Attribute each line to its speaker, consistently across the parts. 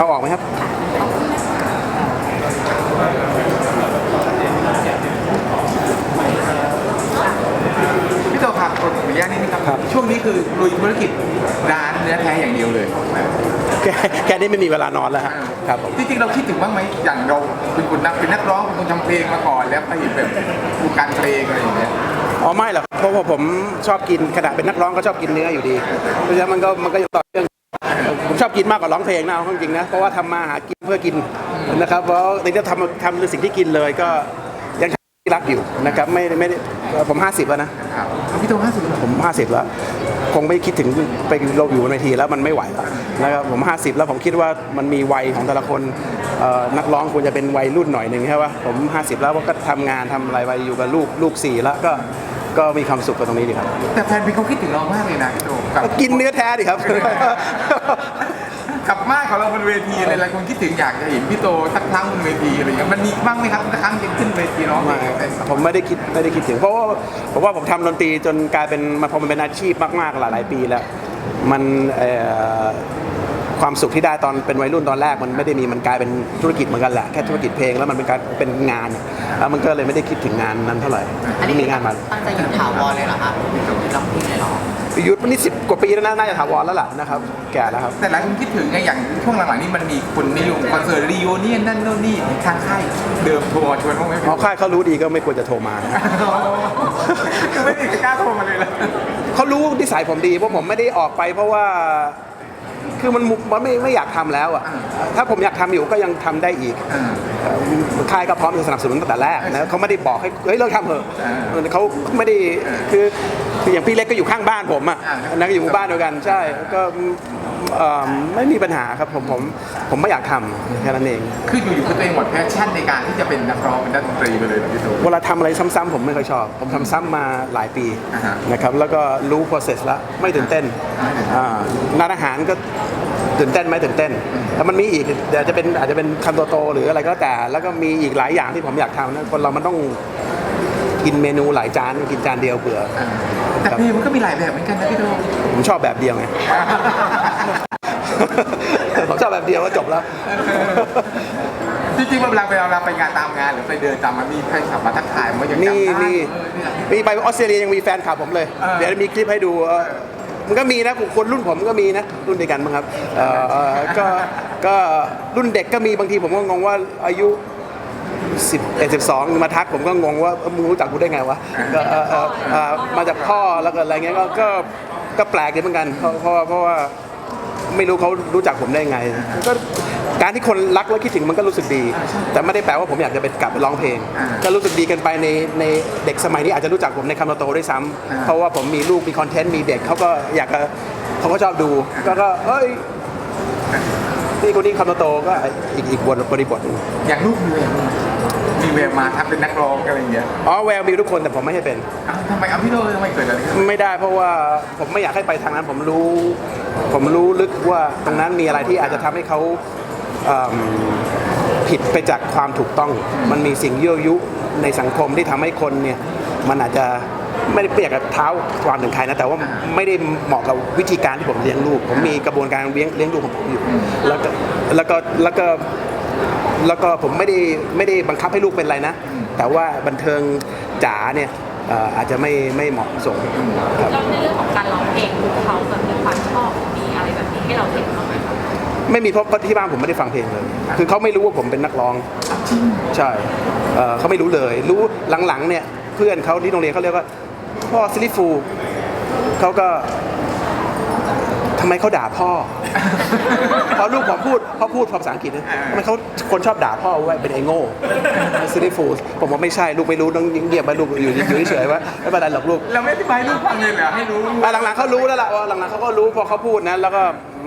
Speaker 1: เอาออกไหมครับ
Speaker 2: พี่โตครับขออนุญาตนิดนึงครับช่วงนี้คือลุยธุรกิจร้านเนื้อแท้อย่างเดียวเลย
Speaker 1: แค่นี้ไม่มีเวลานอนแล้วครับผม
Speaker 2: จริงๆเราคิดถึงบ้างไหมอย่างเราเป็นคนนักร้องเป็นคนทำเพลงมาก่อนแล้วไปแบบวงการเพลงอะไรอย่างเงี้ย
Speaker 1: อ๋อไม่หรอกเพราะว่าผมชอบกินขณะเป็นนักร้องก็ชอบกินเนื้ออยู่ดีเพราะฉะนั้นมันก็ต่อเรื่องผมชอบกินมากกว่าร้องเพลงนะเอาจริงนะเพราะว่าทำมาหากินเพื่อกินนะครับเพราะในที่ทำในสิ่งที่กินเลยก็ยังรักอยู่นะครับไม่ได้ผม50แล้วนะ
Speaker 2: พี่โต50
Speaker 1: ผม50แล้วคงไม่คิดถึงไปเราอยู่บนเวทีแล้วมันไม่ไหวแล้วนะครับผม50แล้วผมคิดว่ามันมีวัยของแต่ละคนนักร้องควรจะเป็นวัยรุ่นหน่อยหนึ่งใช่ป่ะผม50แล้วก็ทำงานทำอะไรไปอยู่กับลูก4แล้วก็มีความสุขกับตรงนี้ดีครับ
Speaker 2: แต่แฟนพี่เขาคิดถึงเรามากเลยนะพี่โต
Speaker 1: กินเนื้อแท้ดิครับ
Speaker 2: กับมากของเราบนเวทีอะไรหลายคนคิดถึงอยากจะเห็นพี่โตสักครั้งบนเวทีอะไรอย่างเงี้ยมันมีบ้างไหมครับสักครั้งขึ้นเวทีร้องเพลง
Speaker 1: ผมไม่ได้คิดถึงเพราะว่าผมทำดนตรีจนกลายเป็นพอมันเป็นอาชีพมากๆหลายปีแล้วมันความสุขที่ได้ตอนเป็นวัยรุ่นตอนแรกมันไม่ได้มีมันกลายเป็นธุรกิจเหมือนกันแหละแค่ธุรกิจเพลงแล้วมันเป็นงานแล้วมันก็เลยไม่ได้คิดถึงงานนั้นเท่าไหร่
Speaker 3: ที่
Speaker 1: มีงานมา
Speaker 3: ตั้งใจอยู่ถาวรเลยเหรอครับร้องเพลงเลยเหรอ
Speaker 1: ยุทธนี่10 กว่าปีแล้วน่าจะถาวรแล้วล่ะนะครับแก่แล้วครับ
Speaker 2: แต่หลายคนคิดถึงไงอย่างช่วงหลังๆนี้มันมีคนนิยมคอนเสิร์ตรีโอเนียนนั่นโน่นนี่ทางค่ายเดิมโทรมาชวนพวกไม่
Speaker 1: ค่ายเขารู้ดีก็ไม่ควรจะโทรมา
Speaker 2: ไม่ได้กล้าโทรมาเลยล่ะ
Speaker 1: เขารู้นิสัยผมดีเพราะผมไม่ได้ออกไปเพราะว่าคือมันไม่อยากทำแล้วอ่ะถ้าผมอยากทำอยู่ก็ยังทำได้อีกค่ายก็พร้อมจะสนับสนุนตั้งแต่แรกนะเขาไม่ได้บอกให้เฮ้ยเลิกทำเถอะเขาไม่ได้คืออย่างพี่เล็กก็อยู่ข้างบ้านผมอ่ะนะก็อยู่หมู่บ้านเดียวกันใช่ก็ไม่มีปัญหาครับผมไม่อยากทำแค่นั้นเอง
Speaker 2: คืออยู่ๆก็ตัวเองหมดแพชชั่นในการที่จะเป็นนักร้องเป็นนักดนตรีไปเลยพี่โต
Speaker 1: เวลาทำอะไรซ้ำๆผมไม่ค่อยชอบผมทำซ้ำมาหลายปีนะครับแล้วก็รู้ process แล้วไม่ตื่นเต้นร้านอาหารก็ตื่นเต้นไหมตื่นเต้นแต่มันมีอีกเดี๋ยวอาจจะเป็นคำโตๆหรืออะไรก็แต่แล้วก็มีอีกหลายอย่างที่ผมอยากทำนะคนเรามันต้องกินเมนูหลายจานกินจานเดียวเบื่อ
Speaker 2: แต่เพลงมันก็มีหลายแบบเหมือนกันนะพี่โต
Speaker 1: ผมชอบแบบเดียวไงผมชอบแบบเดียวก็จบแล้ว
Speaker 2: จริงๆเวลาไปงานตามงานหรือไปเดินตามมันมีใครขับมาทักทายมันยังจำได้
Speaker 1: มีไปออสเตรเลียยังมีแฟนคลับผมเลยเดี๋ยวมีคลิปให้ดูมันก็มีนะคนรุ่นผมก็มีนะรุ่นเดียวกันมั้งครับก็รุ่นเด็กก็มีบางทีผมก็งงว่าอายุ11 12มาทักผมก็งงว่ามึงรู้จักกูได้ไงวะมาจากพ่อแล้วก็อะไรเงี้ยก็แปลกดีเหมือนกันเพราะว่าไม่รู้เขารู้จักผมได้ไงก็การที่คนรักและคิดถึงมันก็รู้สึกดีแต่ไม่ได้แปลว่าผมอยากจะไปกลับไปร้องเพลงก็รู้สึกดีกันไปในเด็กสมัยนี้อาจจะรู้จักผมในคำโตด้วยซ้ำเพราะว่าผมมีลูกมีคอนเทนต์มีเด็กเขาก็ชอบดูก็เอ้ยนี่คนนี้คำโตก็อีกบริบท
Speaker 2: อย่างลูกมีแววมาทักเป็นนักร้องอะไรอย่างเงี้ย
Speaker 1: แววมีทุกคนแต่ผมไม่ให้เป็น
Speaker 2: ทำไมพี่โตทำไมเกิดอะไรขึ้น
Speaker 1: ไม่ได้เพราะว่าผมไม่อยากให้ไปทางนั้นผมรู้ลึกว่าตรงนั้นมีอะไรที่อาจจะทำให้เขาผิดไปจากความถูกต้องมันมีสิ่งยั่วยุในสังคมที่ทำให้คนเนี่ยมันอาจจะไม่ได้เปรียบกับเท้าความถึงใครนะแต่ว่าไม่ได้เหมาะกับวิธีการที่ผมเลี้ยงลูกผมมีกระบวนการเลี้ยงลูกของผมอยู่แล้วก็ผมไม่ได้บังคับให้ลูกเป็นอะไรนะแต่ว่าบันเทิงจ๋าเนี่ยอาจจะไม่เหมาะสม
Speaker 4: ครับแล้วในเรื่องของการร้องเพลงเขาแบบมีความชอบมีอะไรแบบนี้ให้เราเห็นบ้างไหมครับ
Speaker 1: ไม่มีเพราะที่บ้านผมไม่ได้ฟังเพลงเลยคือเขาไม่รู้ว่าผมเป็นนักร้องใช่เขาไม่รู้เลยรู้หลังๆเนี่ยเพื่อนเขาที่โรงเรียนเขาเรียกว่าพ่อซิลิฟูเขาก็ทำไมเขาด่าพ่อพอลูกผมพูดภาษาอังกฤษนะทำไมเขาคนชอบด่าพ่อว่าเป็นไอ้โง่ซิลิฟูผมว่าไม่ใช่ลูกไม่รู้ต้องเงียบไปลูกอยู่เฉยๆว่าไม่เป็นไรหรอกลูก
Speaker 2: เราไม่อธิบายลูกฟังเลยเหรอให้รู้
Speaker 1: หลังๆเขารู้แล้วล่ะว่าหลังๆเขาก็รู้พอเขาพูดนะแล้วก็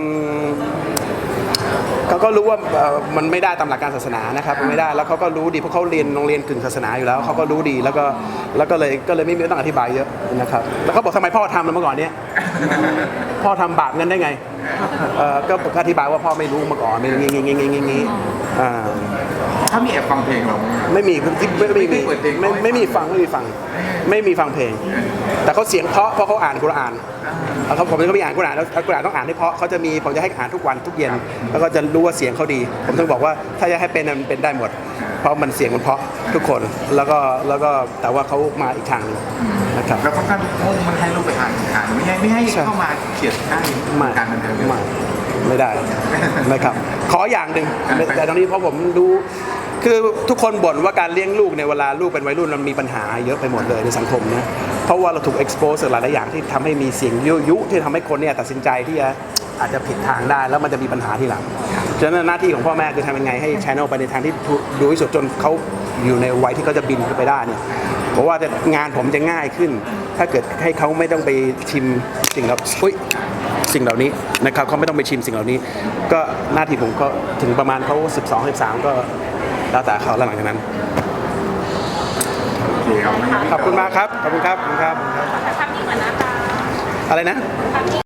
Speaker 1: เขาก็รู้ว่ามันไม่ได้ตามหลักการศาสนานะครับไม่ได้แล้วเขาก็รู้ดีเพราะเขาเรียนโรงเรียนกึ่งศาสนาอยู่แล้วเขาก็รู้ดีแล้วก็เลยไม่ต้องอธิบายเยอะนะครับแล้วเขาบอกทำไมพ่อทำเมื่อก่อนเนี้ยพ่อทำบาปเงินได้ไงก็อธิบายว่าพ่อไม่รู้มาก่อนไม่งี้
Speaker 2: ถ้เขามีแอบฟังเพลงเราไหม
Speaker 1: ไม่มีไม่มี
Speaker 2: ไม่เคยเปิดเพลง
Speaker 1: ไม่มีฟังเพลง แต่เขาเสียงเพราะเขาอ่านกุรอานเขาผมก็มีอ่านกุรอานแล้วกุรอานต้องอ่านให้เพราะเขาจะมีผมจะให้อ่านทุกวันทุกเย็นแล้วก็จะรู้ว่าเสียงเขาดี ผมต้องบอกว่าถ้าจะให้เป็นมันเป็นได้หมด เพราะมันเสียงมันเพราะทุกคนแล้วก็แต่ว่าเขามาอีกทางหนึงนะครับ
Speaker 2: เราค่อนข้างมุ่งมันให้ลูกไปอ่านไม่ให้
Speaker 1: ใช่
Speaker 2: เข้ามาเขียนได้
Speaker 1: ไม่
Speaker 2: การบันเทิง
Speaker 1: ไม่ได้นะครับ ขออย่างหนึ่งแต่ตอนนี้เพราะผมรู้คือทุกคนบ่นว่าการเลี้ยงลูกในยเวลาลูกเป็นวัยรุ่นมันมีปัญหาเยอะไปหมดเลยในสังคมนะเพราะว่าเราถูก expose หลายๆอย่างที่ทำให้มีเสียงยุที่ทำให้คนเนี่ยตัดสินใจที่จะอาจจะผิดทางได้แล้วมันจะมีปัญหาทีหลังฉะนั้นหน้าที่ของพ่อแม่คือทำยังไงให้ channel ไปในทางที่ดูที่สุดจนเขาอยู่ในวัยที่เขาจะบินขึ้นไปได้เนี่ยเพราะว่าจะงานผมจะง่ายขึ้น ถ้าเกิดให้เขาไม่ต้องไปชิมสิ่งเหล่านี้นะครับเขาไม่ต้องไปชิมสิ่งเหล่านี้ ก็หน้าที่ผมก็ถึงประมาณเขา12 13ก็แล้วแต่เขาแล้วหลังจากนั้น
Speaker 2: โอเคครับ
Speaker 1: ขอบคุณมากครับขอบคุณครับขอบคุณครับ
Speaker 4: ขอทำนี่เหมือนนะคะ
Speaker 1: อะไรนะ